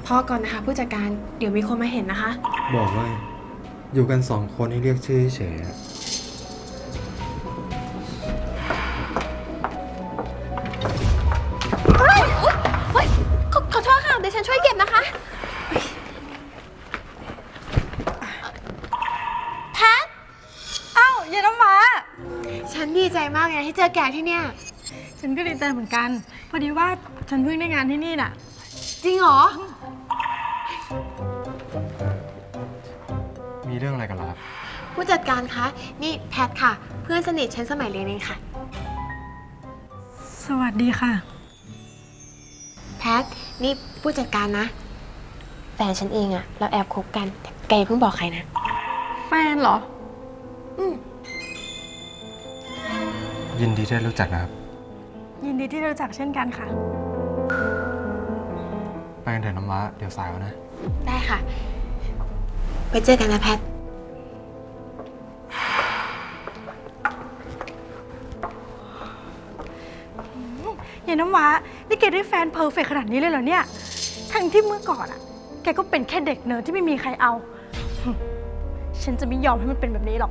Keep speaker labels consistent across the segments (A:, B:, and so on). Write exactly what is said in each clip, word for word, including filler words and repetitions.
A: พอก่อนนะคะผู้จัดการเดี๋ยวมีคนมาเห็นนะคะ
B: บอกว่าอยู่กันสองคนให้เรียกชื่อเฉยๆอะ
A: เฮ้ยเฮ้ยขอขอโทษค่ะเดี๋ยวฉันช่วยเก็บนะคะแพท
C: อ้าวเย็นน้ำว้า
A: ฉันดีใจมากเลยที่เจอแกที่เนี่ย
C: ฉันก็ดีใจเหมือนกัน พอดีว่าฉันเพิ่งได้งานที่นี่น่ะ
A: จริงเหรอ
B: มีเรื่องอะไรกันล่ะครับ
A: ผู้จัดการคะนี่แพทค่ะ เพื่อนสนิทฉันสมัยเรียนเองค่ะ
C: สวัสดีค่ะ
A: แพทนี่ผู้จัดการนะ แฟนฉันเองอะเราแอบคบกันแต่แกอย่าเพิ่งบอกใครนะ
C: แฟนเหรอ
A: อืม
B: ยินดีที่ได้รู้จักนะครับ
C: ยินดีที่ได้รู้จักเช่นกันค่ะ
B: ไปกันเถอะน้ำว้าเดี๋ยวสายแล้วนะ
A: ได้ค่ะ ไปเจอกันนะแพท
C: เย็นน้ำว้านี่แกได้แฟนเพอร์เฟกต์ขนาดนี้เลยเหรอเนี่ย ทั้งที่เมื่อก่อนอะแกก็เป็นแค่เด็กเนิร์ดที่ไม่มีใครเอา ฉันจะไม่ยอมให้มันเป็นแบบนี้หรอก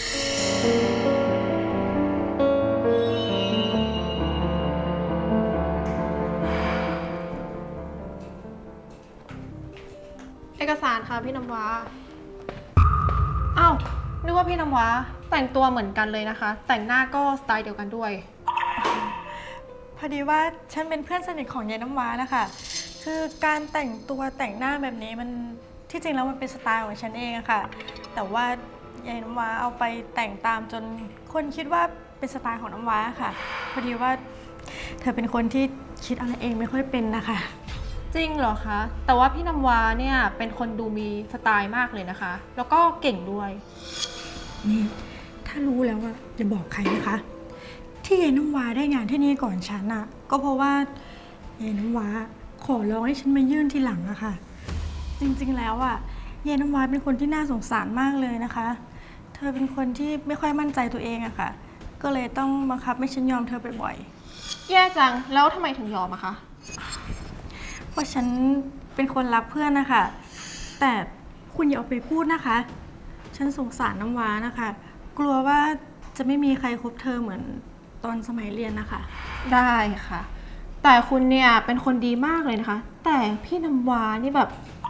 D: เอกสารค่ะพี่น้ำว้าอ้าวนึกว่าพี่น้ำว้าแต่งตัวเหมือนกันเลยนะคะ แต่งหน้าก็สไตล์เดียวกันด้วย
C: พอดีว่าฉันเป็นเพื่อนสนิทของยายน้ำว้านะคะ คือการแต่งตัวแต่งหน้าแบบนี้มันที่จริงแล้วมันเป็นสไตล์ของฉันเองอะค่ะ แต่ว่ายายน้ำว้าเอาไปแต่งตามจนคนคิดว่าเป็นสไตล์ของน้ำว้าค่ะ พอดีว่าเธอเป็นคนที่คิดอะไรเองไม่ค่อยเป็นนะคะ
D: จริงเหรอคะ แต่ว่าพี่น้ำว้าเนี่ยเป็นคนดูมีสไตล์มากเลยนะคะ แล้วก็เก่งด้วย
C: นี่ถ้ารู้แล้วอะอย่าบอกใครนะคะ ที่ยายน้ำว้าได้งานที่นี่ก่อนฉันอะก็เพราะว่ายายน้ำว้าขอร้องให้ฉันมายื่นทีหลังอะค่ะ จริงๆแล้วอะยายน้ำว้าเป็นคนที่น่าสงสารมากเลยนะคะ เธอเป็นคนที่ไม่ค่อยมั่นใจตัวเองอะค่ะ ก็เลยต้องบังคับให้ฉันยอมเธอบ่อย
D: แย่จัง แล้วทำไมถึงยอมอะคะ
C: ๆเพราะฉันเป็นคนรักเพื่อนนะคะแต่คุณอย่าเอาไปพูดนะคะ ฉันสงสารน้ำว้านะคะ กลัวว่าจะไม่มีใครคบเธอเหมือนตอนสมัยเรียนนะคะ
D: ได้ค่ะ แต่คุณเนี่ยเป็นคนดีมากเลยนะคะ แต่พี่น้ำว้านี่แบบ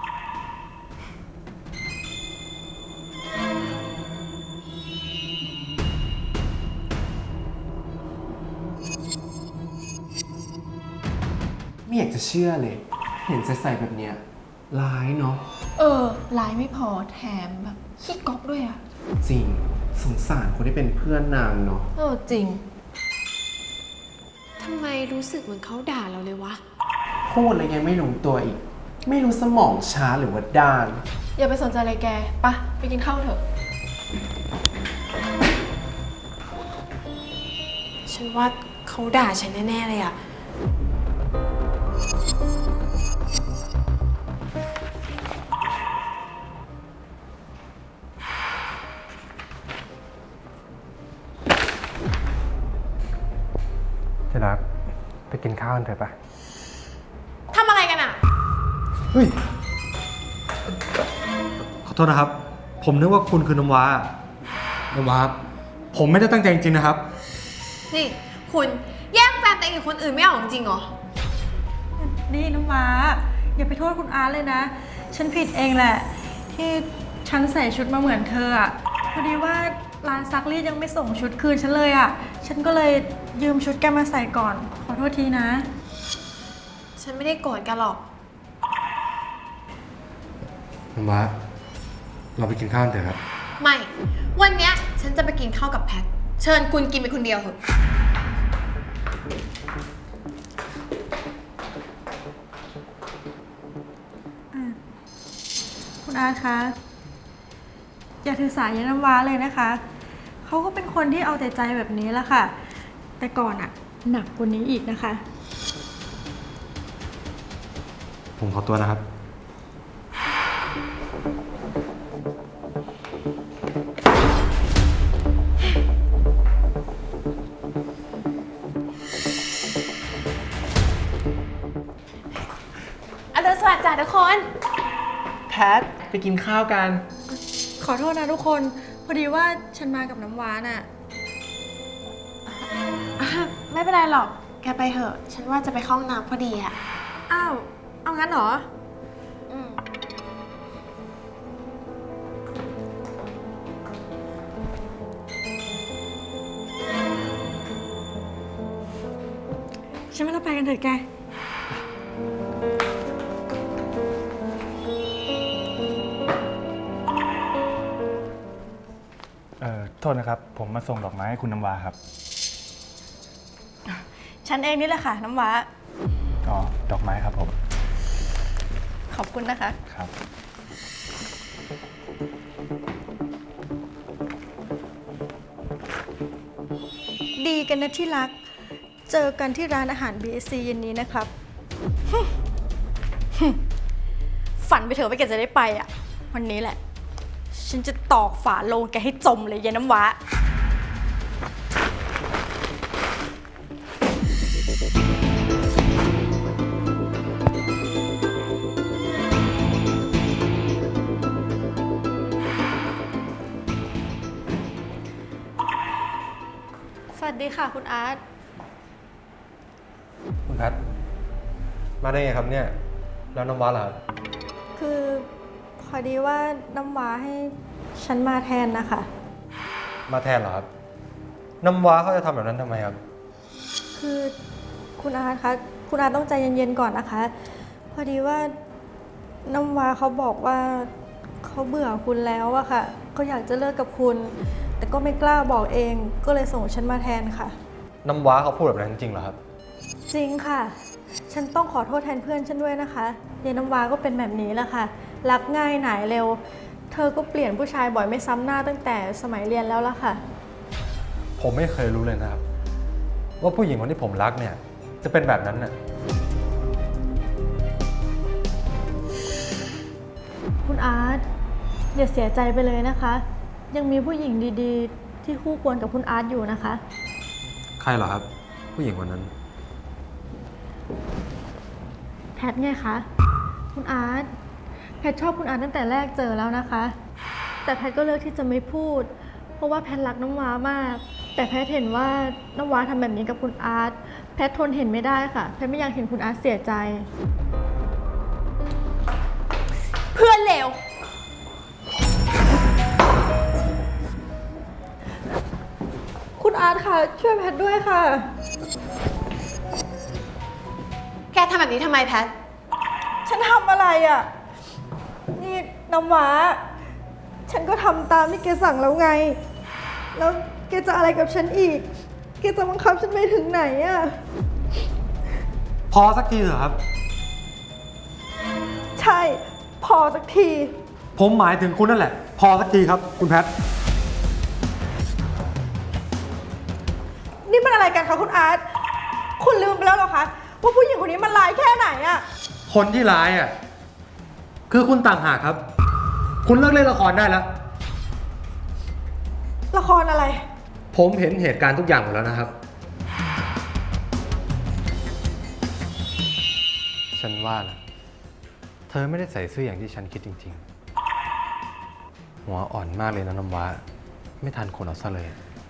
E: ไม่อยากจะเชื่อเลย เห็นใส่ๆแบบเนี้ยร้ายเนาะ
D: เออลายไม่พอแถมแบบขี้ก๊อกด้วยอะ
E: จริงสงสารคนที่เป็นเพื่อนนางเนาะ
D: เออจริง
A: ทำไมรู้สึกเหมือนเขาด่าเราเลยวะ
E: พูดอะไรยังไม่รู้ตัวอีก ไม่รู้สมองช้าหรือว่าด้าน
D: อย่าไปสนใจอะไรแกปะไปกินข้าวเถอะ
A: ฉันว่าเขาด่าฉันแน่ๆเลยอะ
B: ที่รักไปกินข้าวกันเถอะปะ
A: ทำอะไรกันอะ
B: เฮ้ย ขอโทษนะครับ ผมนึกว่าคุณคือน้ำว้า น้ำว้า ผมไม่ได้ตั้งใจจริงๆนะครับ
A: นี่คุณแย่งแฟนตัวเองกับคนอื่นไม่ออกจริงเหรอ
C: นี่น้ำว้าอย่าไปโทษคุณอาร์ตเลยนะ ฉันผิดเองแหละ ที่ฉันใส่ชุดมาเหมือนเธออะพอดีว่าร้านซักรีดยังไม่ส่งชุดคืนฉันเลยอะฉันก็เลยยืมชุดแกมาใส่ก่อน ขอโทษทีนะ
A: ฉันไม่ได้โกรธกันหรอก
B: น้ำว้า เราไปกินข้าวกันเถอะครับ
A: ไม่ วันเนี้ยฉันจะไปกินข้าวกับแพท เชิญคุณกินไปคนเดียวเถอะ
C: คุณอาร์ตคะอย่าถือสายยายน้ำว้าเลยนะคะ เขาก็เป็นคนที่เอาแต่ใจแบบนี้แหละค่ะ แต่ก่อนอะหนักกว่านี้อีกนะคะ
B: ผมขอตัวนะครับ
A: วัสดีจ้ะทุกคน
E: แพท ไปกินข้าวกัน
C: ขอโทษนะทุกคน พอดีว่าฉันมากับน้ำว้าน่ะ
A: อ่ะไม่เป็นไรหรอก แกไปเถอะ ฉันว่าจะไปเข้าห้องน้ำพอดีอะ
C: อ้าว เอางั้นเหรอ
A: อืม
C: ฉันว่าเราไปกันเถอะแก
B: เอ่อ โทษนะครับ ผมมาส่งดอกไม้ให้คุณน้ำว้าครับ
C: ฉันเองนี่แหละค่ะ น้ำว้า
B: อ๋อ ดอกไม้ครับผม
C: ขอบคุณนะคะ
B: ครับ
C: ดีกันนะที่รัก เจอกันที่ร้านอาหาร บี เอส ซี เย็นนี้นะครับ ฝันไปเถอะว่าแกจะได้ไปอ่ะ วันนี้แหละ ฉันจะตอกฝาโลงแกให้จมเลยเย็นน้ำว้า สวัสดีค่ะคุณอาร์ต
B: คุณแพท มาได้ไงครับเนี่ย แล้วน้ำว้าล่ะครับ
C: คือพอดีว่าน้ำว้าให้ฉันมาแทนนะคะ
B: มาแทนเหรอครับ น้ำว้าเขาจะทำแบบนั้นทำไมครับ
C: คือคุณอาร์ตคะคุณอาร์ตต้องใจเย็นๆก่อนนะคะ พอดีว่าน้ำว้าเขาบอกว่าเขาเบื่อคุณแล้วอะค่ะเขาอยากจะเลิกกับคุณ แต่ก็ไม่กล้าบอกเองก็เลยส่งฉันมาแทนค่ะ
B: น้ำว้าเขาพูดแบบนั้นจริงเหรอครับ
C: จริงค่ะ ฉันต้องขอโทษแทนเพื่อนฉันด้วยนะคะยายน้ำว้าก็เป็นแบบนี้แหละค่ะรักง่ายหน่ายเร็ว เธอก็เปลี่ยนผู้ชายบ่อยไม่ซ้ำหน้าตั้งแต่สมัยเรียนแล้วล่ะค่ะ
B: ผมไม่เคยรู้เลยนะครับ ว่าผู้หญิงคนที่ผมรักเนี่ย จะเป็นแบบนั้นน่ะ
C: คุณอาร์ตอย่าเสียใจไปเลยนะคะ ยังมีผู้หญิงดีๆ ที่คู่ควรกับคุณอาร์ตอยู่นะคะ
B: ใครเหรอครับ ผู้หญิงคนนั้น
C: แพทไงคะ คุณอาร์ตแพทชอบคุณอาร์ตตั้งแต่แรกเจอแล้วนะคะ แต่แพทก็เลือกที่จะไม่พูด เพราะว่าแพทรักน้ำว้ามาก แต่แพทเห็นว่าน้ำว้าทำแบบนี้กับคุณอาร์ตแพททนเห็นไม่ได้ค่ะ แพทไม่อยากเห็นคุณอาร์ตเสียใจ เพื่อนเลวคุณอาร์ตค่ะช่วยแพทด้วยค่ะ
A: แกทำแบบนี้ทำไมแพท
C: ฉันทำอะไรอ่ะ นี่น้ำว้า ฉันก็ทำตามที่แกสั่งแล้วไง แล้วแกจะอะไรกับฉันอีก แกจะบังคับฉันไปถึงไหนอ่ะ
B: พอสักทีเถอะครับ
C: ใช่ พอสักที
B: ผมหมายถึงคุณนั่นแหละ พอสักทีครับ คุณแพท
C: นี่มันอะไรกันคะคุณอาร์ต คุณลืมไปแล้วเหรอคะ ว่าผู้หญิงคนนี้มันร้ายแค่ไหนอ่ะ
B: คนที่ร้ายอ่ะ คือคุณต่างหากครับ คุณเลิกเล่นละครได้แล้ว
C: ละครอะไร
B: ผมเห็นเหตุการณ์ทุกอย่างหมดแล้วนะครับ ฉันว่านะเธอไม่ได้ใส่เสื้ออย่างที่ฉันคิดจริงๆ หัวอ่อนมากเลยนะน้ำว้า ไม่ทันคนเอาซะเลย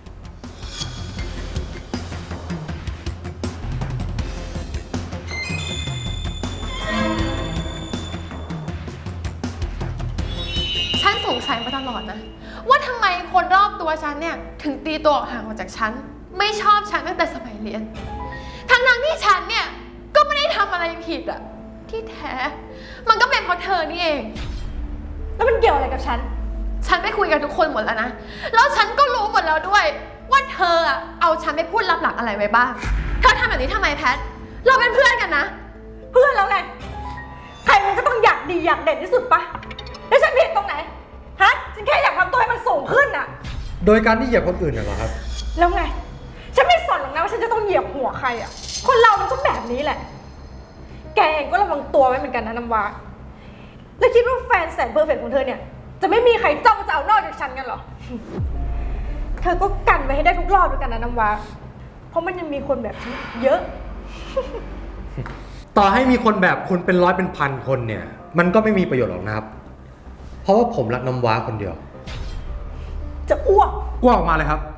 D: ฉันสงสัยมาตลอดนะ ว่าทำไมคนรอบตัวฉันเนี่ย ถึงตีตัวออกห่างออกจากฉัน ไม่ชอบฉันตั้งแต่สมัยเรียน ทั้งๆที่ฉันเนี่ย ก็ไม่ได้ทำอะไรผิดอะที่แท้ มันก็เป็นเพราะเธอนี่เอง
C: แล้วมันเกี่ยวอะไรกับฉัน
D: ฉันไปคุยกับทุกคนหมดแล้วนะ แล้วฉันก็รู้หมดแล้วด้วย ว่าเธออะเอาฉันไปพูดลับหลังอะไรไว้บ้าง เธอทำแบบนี้ทำไมแพท เราเป็นเพื่อนกันนะ
C: เพื่อนแล้วไง ใครมันก็ต้องอยากดีอยากเด่นที่สุดปะแล้วฉันผิดตรงไหน ฮะ ฉันแค่อยากทำตัวให้มันสูงขึ้นอะ
B: โดยการที่เหยียบคนอื่นน่ะเหรอครับ
C: แล้วไง ฉันไม่สนหรอกนะว่าฉันจะต้องเหยียบหัวใครอะคนเรามันก็แบบนี้แหละ แกเองก็ระวังตัวไว้เหมือนกันนะน้ำว้า แล้วคิดว่าแฟนแสนเพอร์เฟกต์ของเธอเนี่ย จะไม่มีใครจ้องจะเอานอกจากฉันกันเหรอ เธอก็กันไว้ให้ได้ทุกรอบด้วยกันนะน้ำว้า เพราะมันยังมีคนแบบฉันอีกเยอะ
B: ต่อให้มีคนแบบคุณเป็นร้อยเป็นพันคนเนี่ย มันก็ไม่มีประโยชน์หรอกนะครับ เพราะว่าผมรักน้ำว้าคนเดียว
C: จะอ้วก
B: อ้วกออกมาเลยครับ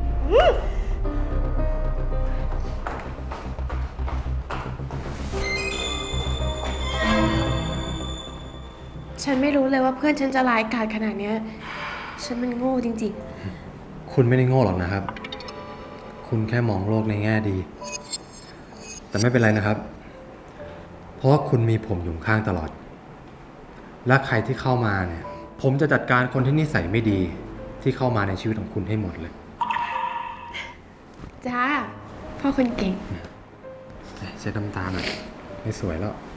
A: ฉันไม่รู้เลยว่าเพื่อนฉันจะร้ายกาจขนาดเนี้ยฉันมันโง่จริง
B: คุณไม่ได้โง่หรอกนะครับ คุณแค่มองโลกในแง่ดี แต่ไม่เป็นไรนะครับ เพราะว่าคุณมีผมอยู่ข้างตลอด และใครที่เข้ามาเนี่ย ผมจะจัดการคนที่นิสัยไม่ดีที่เข้ามาในชีวิตของคุณให้หมดเลย
A: ๆ จ้า พ่อคนเก่ง
B: เช็ดน้ำตาหน่อยไม่สวยแล้ว